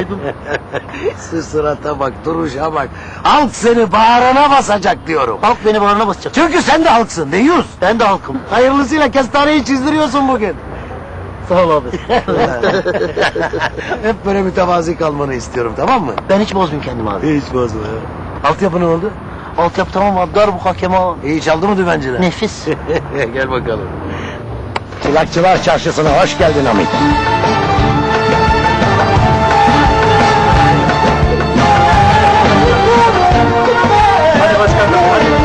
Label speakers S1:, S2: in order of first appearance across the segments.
S1: sahibi.
S2: Şu surata bak, duruşa bak. Halk seni bağrına basacak diyorum.
S1: Halk beni bağrına basacak.
S2: Çünkü sen de halksın, deyiz.
S1: Ben de halkım.
S2: Hayırlısıyla kestaneyi çizdiriyorsun bugün.
S1: Sağ ol abi.
S2: Hep böyle mütevazi kalmanı istiyorum, tamam mı?
S1: Ben hiç bozmayayım kendimi abi.
S2: Hiç bozma ya. Altyapı ne oldu?
S1: Altyapı tamam abi. Darbuka, keman.
S2: İyi çaldı mı dümenciler?
S1: Nefis.
S2: Gel bakalım. Çılakçılar Çarşısı'na hoş geldin Hamit.
S1: Hadi başkanım hadi.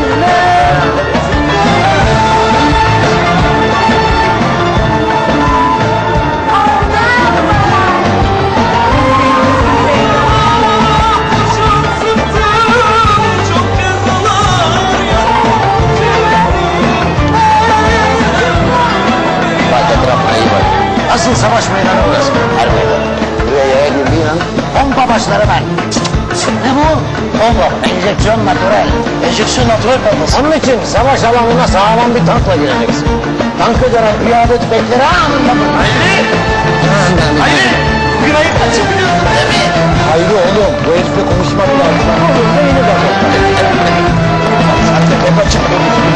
S2: Asıl savaş meydanı burası. Her meydan. Buraya yaya girdiğin an pompa başları ben.
S1: Ne bu?
S2: Pompa, enjeksiyon natürel.
S1: Enjeksiyon natürel pompası.
S2: Onun için savaş alanına sağlam bir tankla gireceksin. Tankı gören piyade tüfekleri anında vurur.
S1: Hayri! Hayri! Bugün ayıp kaçabiliyorsun değil mi?
S2: Hayri oğlum, bu herifle konuşmak lazım. Oğlum, neyini de sen de pompa çıktı.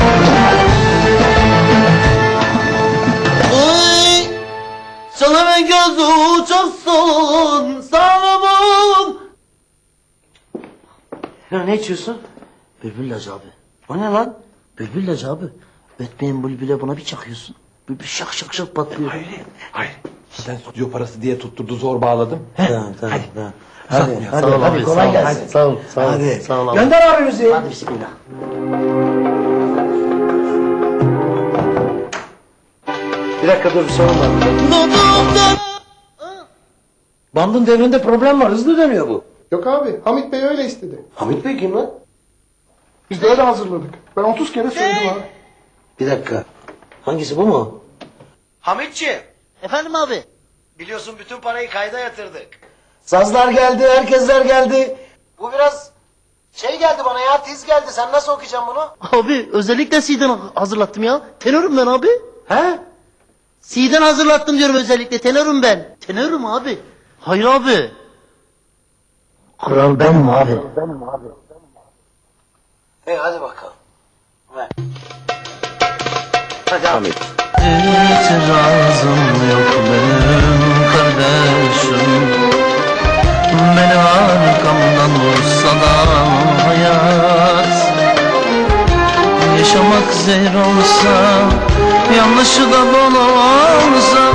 S1: Oy! Sana ben gözü uçarsın sağlamın. Ya ne içiyorsun? Bülbül ilacı abi.
S2: O ne lan?
S1: Bülbül ilacı abi. Ötmeyin bülbüle buna bir çakıyorsun. Bülbül şak şak şak patlıyor.
S3: Hayır. Sen stüdyo parası diye tutturdu zor bağladım.
S2: Tamam, tamam. Hadi,
S1: Sağ ol
S2: hadi,
S1: abi,
S2: kolay
S1: sağ ol.
S2: gelsin.
S1: Sağ ol, sağ ol.
S2: Hadi.
S1: Sağ ol abi.
S2: Gönder abi müziği.
S1: Hadi bismillah.
S2: Bir dakika dur, bir sorun var. Bandın devrinde problem var, hızlı dönüyor bu.
S4: Yok abi, Hamit Bey öyle istedi.
S2: Hamit Bey kim lan?
S4: Biz de öyle hazırladık. Ben 30 kere söyledim abi.
S2: Bir dakika. Hangisi, bu mu?
S5: Hamitciğim,
S1: Efendim abi.
S5: biliyorsun bütün parayı kayda yatırdık.
S2: Sazlar geldi, herkesler geldi. Bu biraz şey geldi bana ya, tiz geldi. Sen nasıl okuyacaksın bunu?
S1: Abi özellikle C'den hazırlattım ya. Tenörüm ben abi.
S2: He?
S1: C'den hazırlattım diyorum özellikle. Tenörüm ben. Tenörüm abi. Hayır abi.
S2: Kral benim abi. Hadi bakalım. Ver. Hadi Hamit.
S1: İtirazım yok benim kardeşim. Beni arkamdan vursa da hayat. Yaşamak zehir olsa, yanlışı da bol olsa